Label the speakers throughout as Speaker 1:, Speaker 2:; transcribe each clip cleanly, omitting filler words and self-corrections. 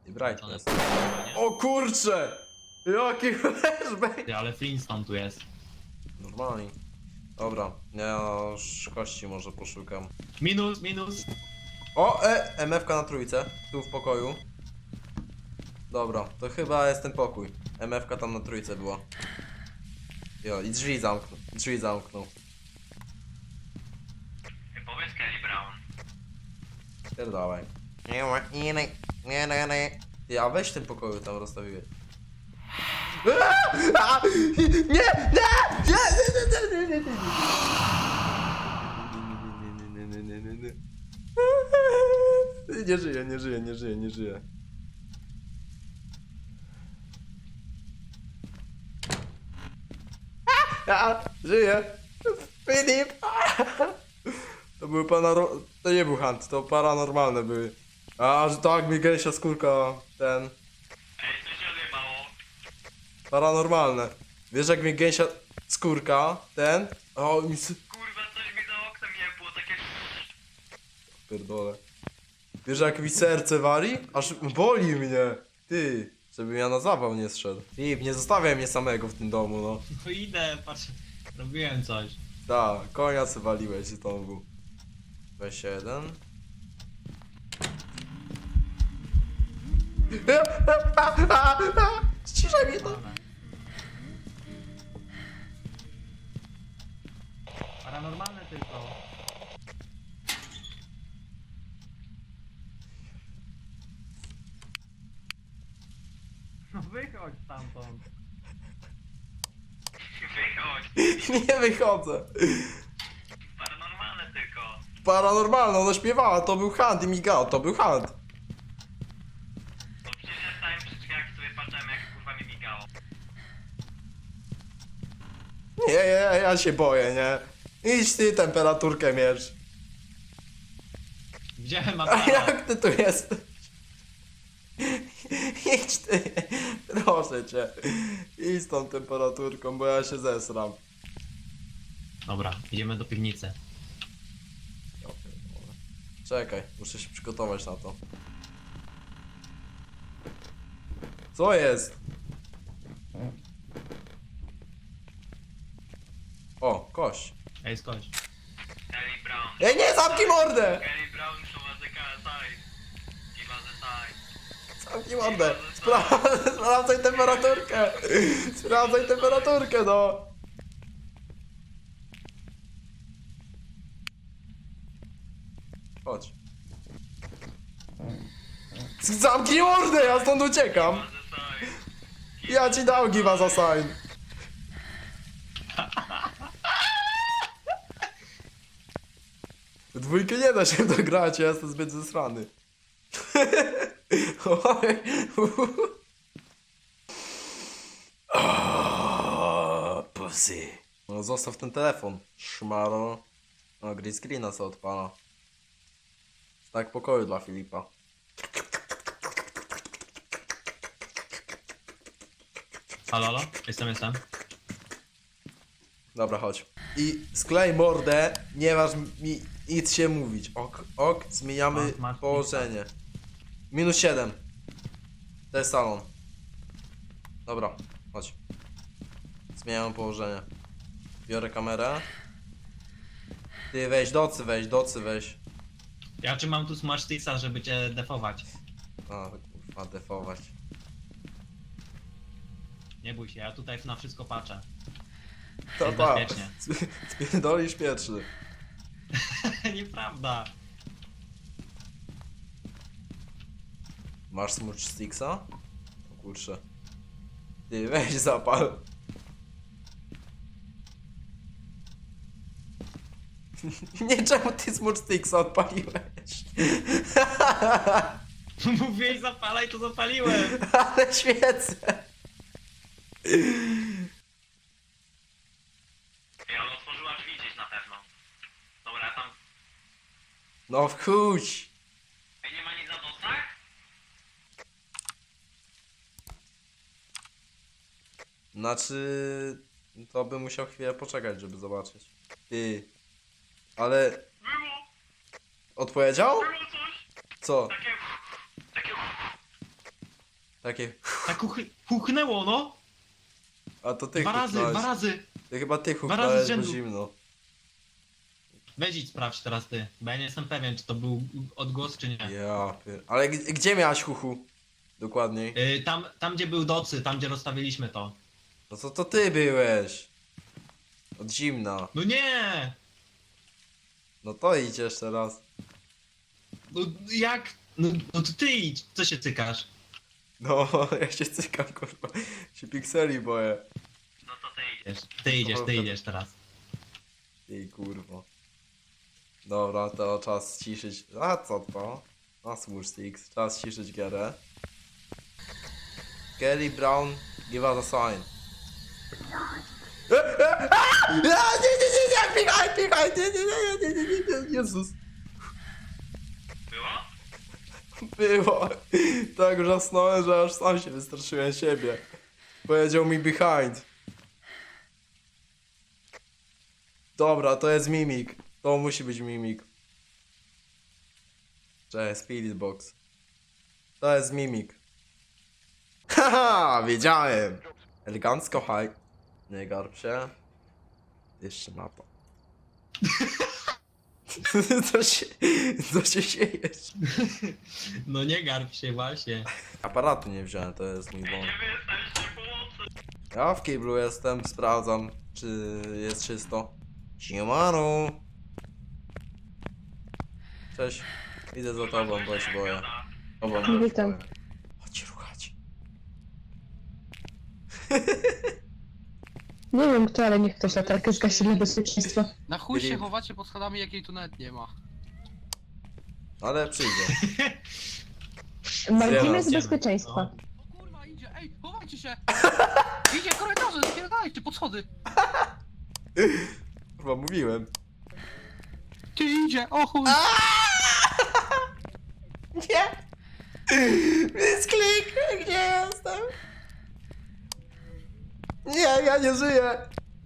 Speaker 1: I brightness.
Speaker 2: Nie?
Speaker 1: O kurcze! Jaki flashback!
Speaker 2: Ty, ale Flintstone tu jest.
Speaker 1: Normalnie. Dobra, ja już kości może poszukam.
Speaker 2: Minus, minus.
Speaker 1: O, MF-ka na trójce, tu w pokoju. Dobra, to chyba jest ten pokój. MF-ka tam na trójce była. Jo, i drzwi zamknął. Drzwi zamknął.
Speaker 2: Powiedz Kelly Brown.
Speaker 1: Pierdalaj. Nie, a weź w tym pokoju tam rozstawiłeś. Nie! Nie żyje, nie żyje, nie żyje, nie żyje. Żyje! Filip! To były to nie był hunt, to paranormalne były. A, że tak mi gęsia skórka, ten...
Speaker 2: Ej, co się odjebało?
Speaker 1: Paranormalne. Wiesz jak mi gęsia skórka, ten... O, mi
Speaker 2: Kurwa, coś mi za oknem nie było, takie...
Speaker 1: Pierdolę. Wiesz jak mi serce wali? Aż boli mnie. Ty, żebym ja na zawał nie zszedł. Filip, nie zostawiaj mnie samego w tym domu, no.
Speaker 2: No idę, patrz. Robiłem coś.
Speaker 1: Da, konia se waliłeś znowu. Weź jeden. Ściszaj mnie to.
Speaker 2: Paranormalne tylko. No wychodź stamtąd. Wychodź.
Speaker 1: Nie wychodzę.
Speaker 2: Paranormalne tylko.
Speaker 1: Paranormalne, ona śpiewała, to był hunt i migał, to był hunt.
Speaker 2: No przecież ja stałem przy drzwiach i sobie patrzyłem jak kurwa mi migało.
Speaker 1: Nie, ja się boję, nie. Idź ty temperaturkę mierz.
Speaker 2: Widziałem
Speaker 1: A
Speaker 2: aparat.
Speaker 1: jak ty tu jesteś? Idź ty, proszę cię. Idź z tą temperaturką, bo ja się zesram.
Speaker 2: Dobra, idziemy do piwnicy.
Speaker 1: Ja pierdolę. Czekaj, muszę się przygotować na to. Co jest? O, kość.
Speaker 2: Ej, skocz. Kelly Brown.
Speaker 1: Ej, nie, zamknij mordę!
Speaker 2: Kelly Brown show the side. Give us a sign.
Speaker 1: Zamknij mordę! Sprawdzaj temperaturkę! Sprawdzaj temperaturkę, no! Chodź. Zamknij mordę, ja stąd uciekam!
Speaker 2: Give us a sign.
Speaker 1: Ja ci dał give us a sign. W dwójkę nie da się w to grać, ja jestem zbyt zesrany. Oj, pussy. No zostaw ten telefon, szmaro. O, green screena co odpala. Tak pokoju dla Filipa.
Speaker 2: Halo, halo? Jestem.
Speaker 1: Dobra, chodź. I sklej mordę, nie masz mi nic się mówić. Ok, zmieniamy
Speaker 2: Masz
Speaker 1: położenie. -7. To jest salon. Dobra, chodź. Zmieniamy położenie. Biorę kamerę. Ty weź, docy weź.
Speaker 2: Ja czy mam tu Smart Sticksa, żeby cię defować?
Speaker 1: A, kurwa, defować.
Speaker 2: Nie bój się, ja tutaj na wszystko patrzę.
Speaker 1: To
Speaker 2: Jest
Speaker 1: tak.
Speaker 2: bezpiecznie.
Speaker 1: Spierdolisz pierwszy.
Speaker 2: Nieprawda.
Speaker 1: Masz smudge sticksa? O kurczę. Ty weź zapal. Nie, czemu ty smudge sticksa odpaliłeś?
Speaker 2: Mówiłeś zapalaj, to zapaliłem.
Speaker 1: Ale świecę.
Speaker 2: Ja ona otworzyła drzwi gdzieś na pewno. Dobra, tam...
Speaker 1: No wchódź.
Speaker 2: Ej, nie ma nic na docach?
Speaker 1: Znaczy... To bym musiał chwilę poczekać, żeby zobaczyć. Ty. Ale...
Speaker 2: Było
Speaker 1: Odpowiedział?
Speaker 2: coś.
Speaker 1: Co?
Speaker 2: Takie...
Speaker 1: Takie...
Speaker 2: Tak huchnęło, no!
Speaker 1: A to ty
Speaker 2: Dwa
Speaker 1: huknąłeś.
Speaker 2: razy!
Speaker 1: Ty chyba ty
Speaker 2: razy z
Speaker 1: huknąłeś, bo
Speaker 2: rzędu.
Speaker 1: zimno.
Speaker 2: Weź idź sprawdź teraz ty, bo ja nie jestem pewien, czy to był odgłos, czy nie.
Speaker 1: Ale gdzie miałaś huchu? Dokładniej.
Speaker 2: Tam gdzie był docy, tam gdzie rozstawiliśmy to.
Speaker 1: No co to ty byłeś? Od zimna.
Speaker 2: No nie!
Speaker 1: No to idziesz teraz.
Speaker 2: No jak? No to ty idź, co się cykasz?
Speaker 1: No, ja się cykam, kurwa. Się pikseli boję.
Speaker 2: No to ty idziesz teraz.
Speaker 1: Ej, kurwa. Dobra, to czas ciszyć. A co to? Na służ Six. Czas ciszyć gierę. Kelly Brown, give us a sign. Nie, pikaj, nie, Jezus.
Speaker 2: Było?
Speaker 1: Było. Tak wrzasnąłem, że aż sam się wystraszyłem siebie. Powiedział mi behind. Dobra, to jest mimik. To musi być mimik. Cześć, Spirit Box. To jest mimik. Haha, wiedziałem. Elegancko, haj. Nie garb się. Jeszcze mapa. Co się siejesz?
Speaker 2: No nie garb się właśnie.
Speaker 1: Aparatu nie wziąłem, to jest mój błąd.
Speaker 2: Nie wystaliście pomocy.
Speaker 1: Ja w kiblu jestem, sprawdzam, czy jest czysto. Siemano. Cześć. Idę za tobą, bo się boję. Tobą, bo się
Speaker 3: Witam.
Speaker 1: boję. Chodź ruchać.
Speaker 3: Nie wiem kto, ale niech ktoś latarkę zgasi dla bezpieczeństwa.
Speaker 4: Na chuj się
Speaker 1: Filip.
Speaker 4: chowacie pod schodami, jakiej tu nawet nie ma.
Speaker 1: Ale przyjdzie.
Speaker 3: Margines
Speaker 2: Idziemy.
Speaker 3: bezpieczeństwa.
Speaker 4: O kurwa, idzie, ej, chowajcie się! Idzie korytarze, spierdajcie pod schody!
Speaker 1: Chyba mówiłem.
Speaker 4: Ty idzie, o chuj!
Speaker 1: Nie! Misklik! Gdzie jestem? Nie, ja nie żyję!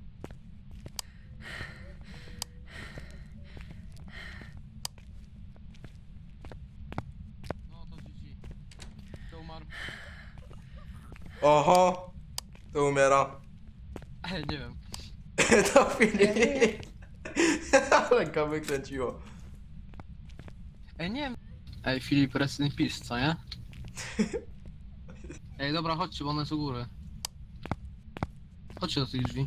Speaker 4: No to GG. To umarł.
Speaker 1: Oho! To umiera.
Speaker 4: Ej, nie wiem.
Speaker 1: To Filip. Ale go wykręciło.
Speaker 4: Ej, nie wiem. Ej, Filip, rest in peace, co nie? Ej, dobra, chodźcie, bo one są u góry. Chodźcie do tych drzwi.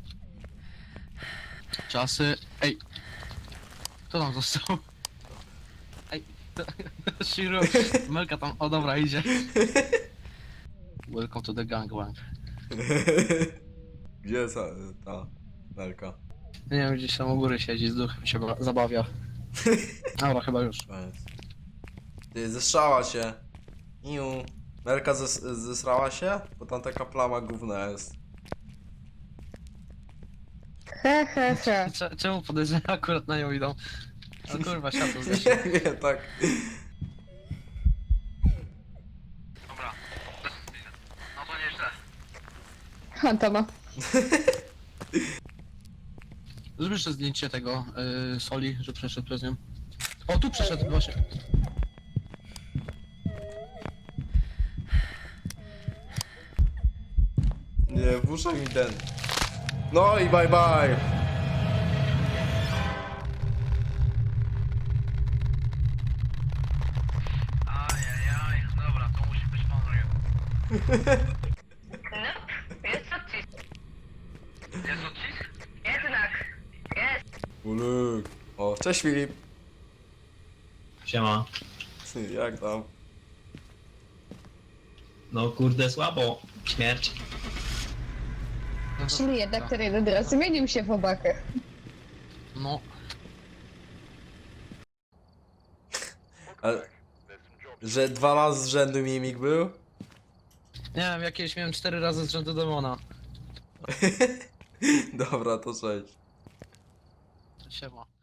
Speaker 4: Czasy. Ej! Kto tam został? Ej, to Shiro. Melka tam, o dobra, idzie. Welcome to the gangbang.
Speaker 1: Gdzie jest ta Melka?
Speaker 4: Nie wiem, gdzieś tam u góry siedzi, z duchem się zabawia. Dobra, chyba już.
Speaker 1: Koniec. Ty, zestrzała się. Iu. Melka zesrała się? Bo tam taka plama gówna jest.
Speaker 3: He, he, he.
Speaker 4: Czemu podejrzenia akurat na nią idą? O kurwa, światło zeszło.
Speaker 1: Nie, nie, tak.
Speaker 4: Dobra. No to nieźle.
Speaker 3: Hantama.
Speaker 4: Zrób jeszcze zdjęcie tego Soli, że przeszedł przez nią. O, tu przeszedł właśnie.
Speaker 1: Nie, włóżę mi ten. No i bye bye.
Speaker 4: Ajajaj, dobra, to musi być pan Ryu.
Speaker 5: Jest odcisk.
Speaker 4: Jest odcisk?
Speaker 5: Jednak. Jest.
Speaker 1: Uluk. O, cześć Filip.
Speaker 2: Siema.
Speaker 1: Jak tam?
Speaker 2: No kurde słabo. Śmierć.
Speaker 4: No to-
Speaker 3: Czyli jednak ten jeden raz zmienił się w obakę.
Speaker 4: No,
Speaker 1: Ale... Że 2 razy z rzędu mimik był?
Speaker 4: nie wiem, jakieś miałem 4 razy z rzędu demona.
Speaker 1: Dobra, to cześć.
Speaker 4: Siema.